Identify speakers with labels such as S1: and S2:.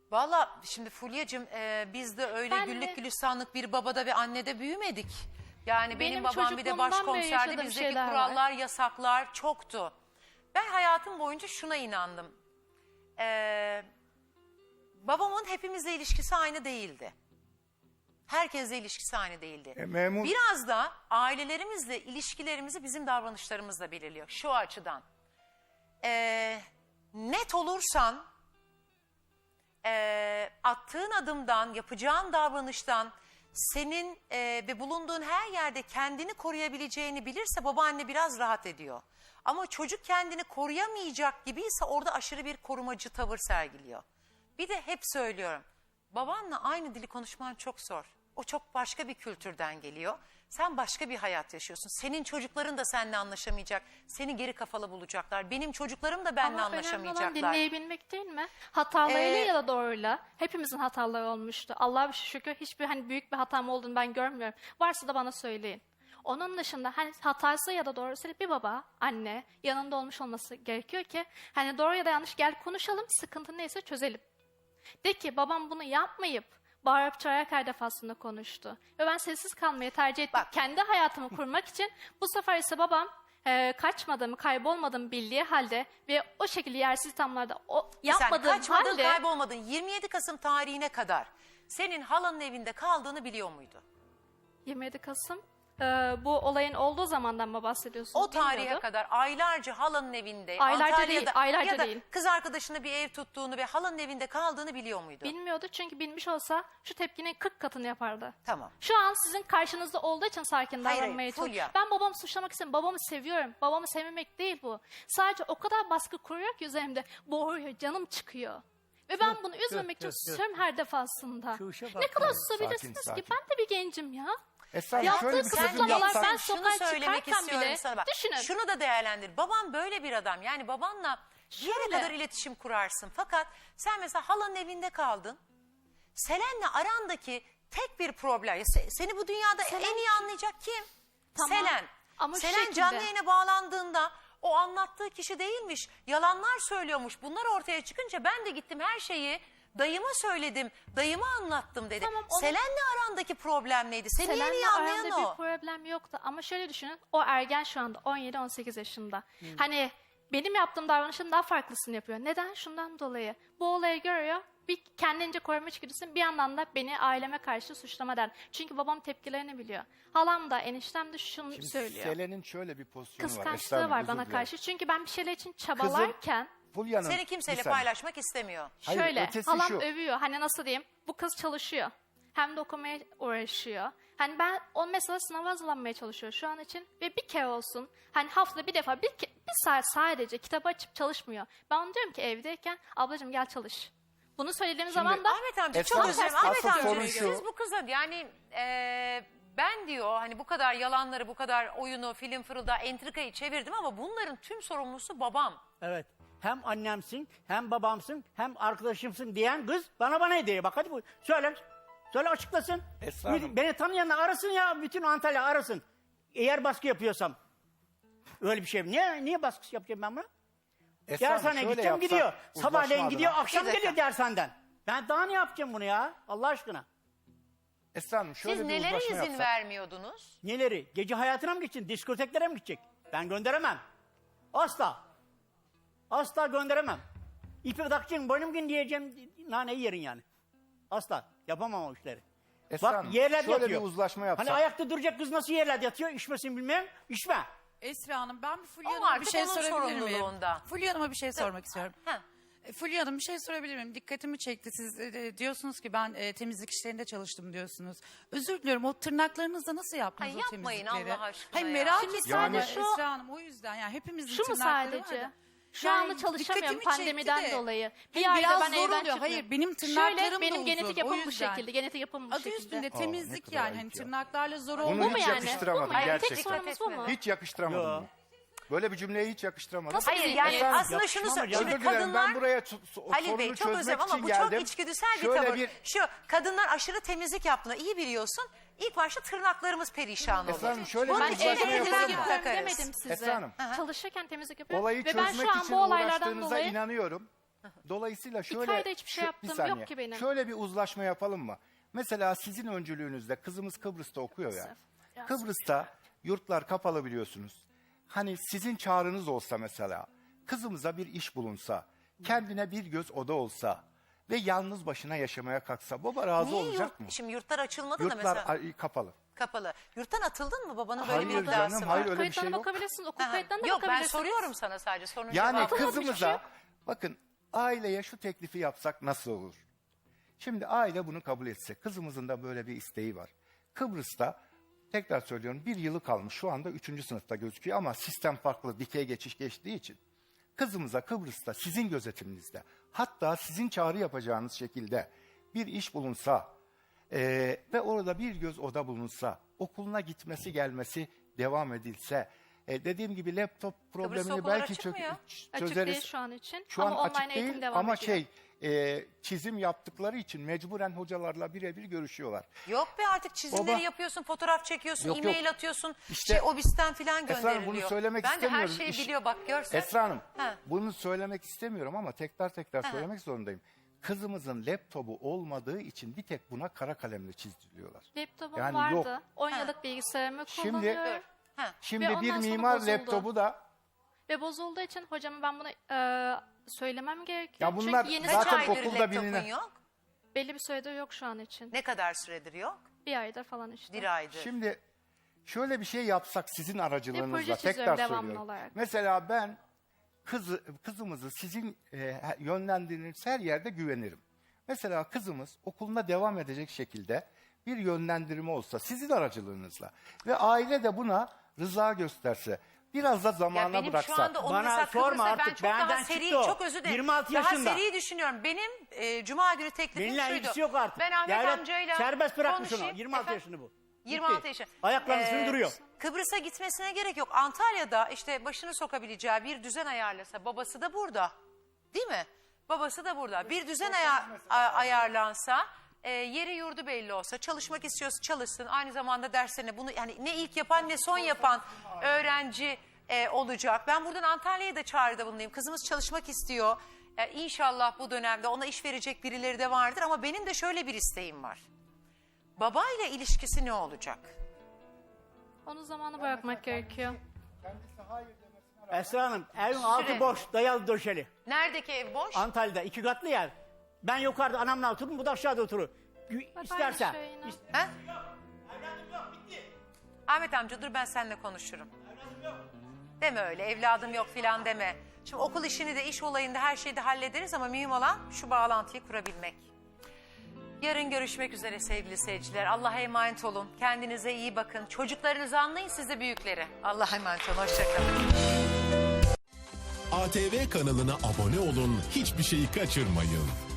S1: Valla şimdi Fulya'cığım biz de öyle
S2: Ben
S1: güllük
S2: de-
S1: gülistanlık bir babada ve annede büyümedik. Yani benim babam bir de
S2: çocukluğumdan beri
S1: başkomiserdi,
S2: yaşadığım
S1: bizdeki
S2: şeyler var.
S1: kurallar, yasaklar çoktu. Ben hayatım boyunca şuna inandım. Babamın hepimizle ilişkisi aynı değildi. Herkesle ilişkisi aynı değildi.
S3: Memur
S1: Biraz da ailelerimizle ilişkilerimizi bizim davranışlarımızla belirliyor. Şu açıdan. Net olursan attığın adımdan, yapacağın davranıştan senin ve bulunduğun her yerde kendini koruyabileceğini bilirse babaanne biraz rahat ediyor. Ama çocuk kendini koruyamayacak gibiyse orada aşırı bir korumacı tavır sergiliyor. Bir de hep söylüyorum, babanla aynı dili konuşman çok zor. O çok başka bir kültürden geliyor. Sen başka bir hayat yaşıyorsun. Senin çocukların da seninle anlaşamayacak. Seni geri kafalı bulacaklar. Benim çocuklarım da benimle
S2: Ama önemli olan
S1: anlaşamayacaklar.
S2: dinleyebilmek değil mi? Hatalarıyla ya da doğruyla. Hepimizin hataları olmuştu. Allah'a şükür hiçbir büyük bir hatam olduğunu ben görmüyorum. Varsa da bana söyleyin. Onun dışında hatası ya da doğrusu bir baba, anne yanında olmuş olması gerekiyor ki doğru ya da yanlış gel konuşalım, sıkıntı neyse çözelim. De ki babam bunu yapmayıp bağırıp çağırarak her defasında konuştu. Ve ben sessiz kalmayı tercih ettim.
S1: Bak.
S2: Kendi hayatımı kurmak için. Bu sefer ise babam kaçmadığımı, kaybolmadığımı bildiği halde ve o şekilde yersiz ithamlarda yapmadığım
S1: Sen kaçmadın,
S2: halde...
S1: kaybolmadın. 27 Kasım tarihine kadar senin halanın evinde kaldığını biliyor muydu?
S2: 27 Kasım bu olayın olduğu zamandan mı bahsediyorsunuz?
S1: O tarihe
S2: Bilmiyordum.
S1: kadar aylarca halanın evinde,
S2: Aylarca
S1: Antalya'da
S2: değil, aylarca
S1: ya da
S2: değil.
S1: kız arkadaşına bir ev tuttuğunu ve halanın evinde kaldığını biliyor muydu?
S2: Bilmiyordu çünkü bilmiş olsa şu tepkinin 40 katını yapardı.
S1: Tamam.
S2: Şu an sizin karşınızda olduğu için sakin
S1: Hayır,
S2: davranmaya
S1: Fulya.
S2: çalışıyorum. Ben babamı suçlamak istemiyorum. Babamı seviyorum. Babamı sevmemek değil bu. Sadece o kadar baskı kuruyor ki üzerimde boğuyor, canım çıkıyor. Ve ben bunu üzmemek için susuyorum her defasında. Ne kadar susabilirsiniz
S3: sakin.
S2: ki? Ben de bir gencim ya.
S3: Esra Hanım,
S2: Yaptığı
S3: şöyle bir çözüm
S2: kısıtlamalar,
S3: yapsak.
S2: ben
S1: Şunu
S2: sokağa
S1: söylemek
S2: çıkarken
S1: istiyorum
S2: bile
S1: sana. Bak,
S2: düşünün.
S1: şunu da değerlendir. Babam böyle bir adam. Yani babanla bir yere
S2: Şöyle.
S1: kadar iletişim kurarsın. Fakat sen mesela halanın evinde kaldın. Selen'le arandaki tek bir problem. Seni bu dünyada en iyi anlayacak kim?
S2: Tamam.
S1: Selen.
S2: Ama şu
S1: Selen
S2: şekilde.
S1: canlı yayına bağlandığında o anlattığı kişi değilmiş. Yalanlar söylüyormuş. Bunlar ortaya çıkınca ben de gittim her şeyi dayıma söyledim. Dayıma anlattım dedi.
S2: Tamam, onu-
S1: Selen'le arandaki problem neydi? Seni en iyi
S2: Selen'le
S1: anlayan
S2: aramda
S1: o.
S2: bir problem yoktu. Ama şöyle düşünün, o ergen şu anda 17-18 yaşında. Benim yaptığım davranışın daha farklısını yapıyor. Neden? Şundan dolayı. Bu olayı görüyor, bir kendince koruma içgüdüsü, bir yandan da beni aileme karşı suçlama der. Çünkü babam tepkilerini biliyor. Halam da eniştem de şunu
S3: Şimdi
S2: söylüyor.
S3: Selen'in şöyle bir pozisyonu var. Esra
S2: Kıskançlığı
S3: Hanım,
S2: var
S3: özür
S2: bana
S3: dilerim.
S2: karşı. Çünkü ben bir şeyler için çabalarken...
S3: Fulya'nın
S1: Seni kimseyle
S3: bir saniye.
S1: paylaşmak istemiyor.
S3: Hayır,
S2: Şöyle
S3: ötesi
S2: halam
S3: şu.
S2: övüyor. Nasıl diyeyim? Bu kız çalışıyor. Hem de okumaya uğraşıyor. Ben o mesela sınava hazırlanmaya çalışıyor şu an için. Ve bir kere olsun haftada bir defa bir saat sadece kitabı açıp çalışmıyor. Ben ona diyorum ki evdeyken ablacığım gel çalış. Bunu söylediğim zaman da
S1: Ahmet amca
S3: Esra
S1: çok
S3: Hanım,
S1: özür dilerim.
S3: asıl
S1: Ahmet
S3: sorun
S1: amca
S3: şu.
S1: siz bu kıza yani ben diyor hani bu kadar yalanları, bu kadar oyunu, film fırıldağı, entrikayı çevirdim ama bunların tüm sorumlusu babam.
S4: Evet. Hem annemsin, hem babamsın, hem arkadaşımsın diyen kız bana hediye. Bak hadi bu söyle. Söyle açıklasın.
S3: Esra Hanım.
S4: Beni tanıyanlar arasın ya. Bütün Antalya arasın. Eğer baskı yapıyorsam. Öyle bir şey. Niye baskı yapacağım ben buna?
S3: Esra Hanım,
S4: Dershaneye
S3: şöyle
S4: gideceğim
S3: yapsak,
S4: gidiyor.
S3: uzlaşma
S4: Sabahleyin
S3: adına.
S4: gidiyor, akşam
S1: Bir dakika.
S4: geliyor dershaneden. Ben daha ne yapacağım bunu ya? Allah aşkına.
S3: Esra Hanım, şöyle
S1: Siz
S3: bir
S1: nelere
S3: uzlaşma
S1: izin
S3: yapsak.
S1: vermiyordunuz?
S4: Neleri? Gece hayatına mı gideceksin? Diskoteklere mi gidecek? Ben gönderemem. Asla. Asla gönderemem. İpi takacaksın, boynum gün diyeceğim, naneyi yerin yani. Asla. Yapamam o işleri.
S3: Esra
S4: Bak
S3: Hanım,
S4: yerlerde
S3: şöyle
S4: yatıyor.
S3: bir uzlaşma yapsak.
S4: Hani ayakta duracak kız nasıl yerlerde yatıyor? İçmesin bilmem. İçme.
S5: Esra Hanım, ben bir Fulya
S1: O
S5: Hanım'a bir
S1: artık
S5: şey
S1: onun
S5: sorabilir miyim?
S1: sorumluluğunda.
S5: Fulya Hanım'a bir şey sormak istiyorum.
S1: Ha.
S5: Fulya Hanım bir şey sorabilir miyim? Dikkatimi çekti. Siz diyorsunuz ki ben temizlik işlerinde çalıştım diyorsunuz. Özür diliyorum, o tırnaklarınızla nasıl yaptınız
S1: Ay,
S5: o
S1: yapmayın
S5: temizlikleri?
S1: Allah aşkına
S5: Hayır
S1: ya.
S5: merak
S2: Şimdi
S5: ettim
S2: sadece
S5: Esra Hanım, o yüzden yani hepimizin
S2: şu mu
S5: tırnakları var
S2: sadece?
S5: da.
S2: Şu
S5: Yani
S2: anda çalışamıyorum
S5: dikkatimi çekti
S2: pandemiden
S5: de.
S2: dolayı.
S5: Hayır,
S2: Bir ayda
S5: biraz
S2: ben
S5: zor
S2: evden
S5: oluyor.
S2: çıkmıyorum.
S5: Hayır, benim tırnaklarım
S2: Şöyle,
S5: da
S2: benim
S5: uzun,
S2: genetik
S5: o
S2: yapım bu
S5: yüzden.
S2: şekilde. Genetik yapım bu
S5: Adı
S2: şekilde.
S5: üstünde
S3: ne
S5: temizlik
S3: kadar
S5: yani.
S3: ayıp ya.
S5: Tırnaklarla zor
S3: Bunu
S5: olmuyor.
S2: mu
S3: hiç
S2: yani?
S3: yakıştıramadım
S2: Bu mu yani? Tek
S3: gerçekten.
S2: sorunumuz bu mu?
S3: Hiç yakıştıramadım.
S1: Yo.
S3: bunu. Böyle bir cümleyi hiç yakıştıramadım.
S2: Nasıl
S1: Hayır
S2: bir
S1: yani
S2: zihniyet?
S1: aslında şunu
S4: Yakışmam
S1: söyleyeyim.
S4: hocam.
S1: Şimdi
S3: Özür dilerim, ben
S1: kadınlar...
S3: buraya
S1: Halil
S3: sorunu
S1: Bey çok
S3: çözmek
S1: özür dilerim
S3: için
S1: ama bu
S3: geldim.
S1: çok içgüdüsel bir
S3: Şöyle
S1: tavır. Şu kadınlar aşırı temizlik yaptığını iyi biliyorsun. İlk başta tırnaklarımız perişan olur.
S3: Esra Hanım, şöyle
S1: Bunun
S3: bir
S2: Ben
S1: için
S3: uzlaşma
S2: evde
S1: temizlik
S2: temizlik
S3: yapalım.
S2: yapıyorum
S1: takarız.
S2: demedim size.
S3: Esra Hanım.
S2: Çalışırken temizlik yapıyorum.
S3: Olayı
S2: Ve ben
S3: çözmek
S2: şu an
S3: için
S2: bu olaylardan
S3: uğraştığınıza
S2: dolayı...
S3: inanıyorum. Dolayısıyla şöyle
S2: ayda hiçbir şey
S3: bir
S2: yaptığım
S3: saniye.
S2: yok ki benim.
S3: Şöyle bir uzlaşma yapalım mı? Mesela sizin öncülüğünüzde kızımız Kıbrıs'ta okuyor ya.
S2: Yazık.
S3: Kıbrıs'ta yurtlar kapalı biliyorsunuz. Hani sizin çağrınız olsa mesela, kızımıza bir iş bulunsa, kendine bir göz oda olsa ve yalnız başına yaşamaya kalksa baba razı
S1: Niye
S3: olacak mı?
S1: Şimdi yurtlar açılmadı da
S3: Yurtlar
S1: mesela
S3: kapalı.
S1: kapalı. Yurttan atıldın mı? Babanın böyle bir
S3: Hayır
S1: iddiası
S3: canım,
S1: var.
S3: hayır öyle bir
S2: Kayıtlarına
S3: şey yok.
S2: bakabilirsiniz. Okul
S1: Aha.
S2: kayıtlarına da
S1: Yok ben
S2: bakabilirsiniz.
S1: soruyorum sana sadece. Sorunun
S3: Yani
S1: cevabı.
S3: kızımıza bakın aileye şu teklifi yapsak nasıl olur? Şimdi aile bunu kabul etse, kızımızın da böyle bir isteği var. Kıbrıs'ta tekrar söylüyorum 1 yılı kalmış, şu anda 3. sınıfta gözüküyor ama sistem farklı, dikey geçiş geçtiği için. Kızımıza Kıbrıs'ta sizin gözetiminizde, hatta sizin çağrı yapacağınız şekilde bir iş bulunsa ve orada bir göz oda bulunsa, okuluna gitmesi gelmesi devam edilse, dediğim gibi laptop problemini
S1: okullar
S3: belki
S1: açık mı ya?
S2: Açık
S3: çözeriz.
S2: değil şu an için.
S3: Şu an
S2: ama online
S3: açık
S2: eğitim
S3: değil
S2: devam
S3: ama
S2: ediyor.
S3: çizim yaptıkları için mecburen hocalarla birebir görüşüyorlar.
S1: Yok be artık çizimleri
S3: Baba-
S1: yapıyorsun, fotoğraf çekiyorsun,
S3: Yok,
S1: e-mail
S3: yok.
S1: atıyorsun.
S3: İşte-
S1: Obis'ten falan
S3: Esra
S1: gönderiliyor.
S3: Hanım bunu söylemek
S1: ben de her
S3: istemiyorum.
S1: şeyi
S3: İş-
S1: biliyor bak görsen.
S3: Esra Hanım
S1: Ha.
S3: bunu söylemek istemiyorum ama tekrar söylemek zorundayım. Kızımızın laptopu olmadığı için bir tek buna kara kalemle çizdiriyorlar.
S2: Laptopum
S3: Yani
S2: vardı.
S3: yok.
S2: 10 yıllık bilgisayarımı
S3: Şimdi-
S2: kullanıyorum.
S1: Ha.
S3: Şimdi
S2: Ve
S3: bir
S2: ondan sonra
S3: mimar
S2: bozuldu.
S3: laptopu da
S2: Ve bozulduğu için hocama ben bunu söylemem gerekiyor.
S3: Ya bunlar
S2: Çünkü yeni
S1: Kaç
S3: zaten
S1: aydır
S3: okulda
S1: laptopun
S3: bilinen-
S1: yok?
S2: belli bir süredir yok şu an için.
S1: Ne kadar süredir yok?
S2: Bir aydır falan işte.
S1: Bir aydır.
S3: şimdi şöyle bir şey yapsak sizin aracılığınızla
S2: proje çiziyorum
S3: tekrar
S2: devamlı
S3: söylüyorum.
S2: olarak.
S3: Mesela ben kızımızı sizin yönlendirdiğiniz her yerde güvenirim. Mesela kızımız okuluna devam edecek şekilde bir yönlendirme olsa sizin aracılığınızla ve aile de buna rıza gösterse, biraz da
S1: Ya
S3: zamana
S1: benim
S3: bıraksak.
S1: şu anda onu
S4: Bana
S1: mesela
S4: sorma
S1: Kıbrıs'ta ben
S4: artık,
S1: çok daha
S4: benden
S1: seri,
S4: çıktı o.
S1: çok özür dilerim.
S4: 26
S1: daha
S4: yaşında.
S1: seri düşünüyorum. Benim Cuma günü teklifim
S4: Benimle
S1: şuydu.
S4: ilgisi yok artık.
S1: Ben Ahmet
S4: Devlet
S1: amcayla
S4: serbest bırakmış onu.
S1: konuşayım.
S4: 26
S1: Efendim?
S4: yaşında bu.
S1: 26
S4: Bitti.
S1: yaşında.
S4: Ayaklarını sürdürüyor.
S1: Kıbrıs'a gitmesine gerek yok. Antalya'da işte başını sokabileceği bir düzen ayarlasa, babası da burada. Değil mi? Babası da burada. Bir düzen ayarlansa, yeri yurdu belli olsa, çalışmak istiyorsa çalışsın. Aynı zamanda derslerine bunu yani ne ilk yapan ne son yapan öğrenci olacak. Ben buradan Antalya'ya da çağrıda bulunayım. Kızımız çalışmak istiyor. İnşallah bu dönemde ona iş verecek birileri de vardır ama benim de şöyle bir isteğim var. Babayla ilişkisi ne olacak?
S2: Onu zamanı bırakmak gerekiyor.
S4: Esra Hanım evin altı
S1: Süre.
S4: boş, dayalı döşeli.
S1: Neredeki ev boş?
S4: Antalya'da 2 katlı yer. Ben yukarıda anamla otururum, bu da aşağıda oturur. İsterse.
S2: aynı şey yine.
S1: He? Ahmet amca dur ben seninle konuşurum. Deme öyle evladım yok filan deme. Şimdi okul işini de iş olayında her şeyi de hallederiz ama mühim olan şu bağlantıyı kurabilmek. Yarın görüşmek üzere sevgili seyirciler. Allah'a emanet olun. Kendinize iyi bakın. Çocuklarınızı anlayın siz de büyükleri. Allah'a emanet olun. Hoşçakalın.
S6: ATV kanalına abone olun, hiçbir şeyi kaçırmayın.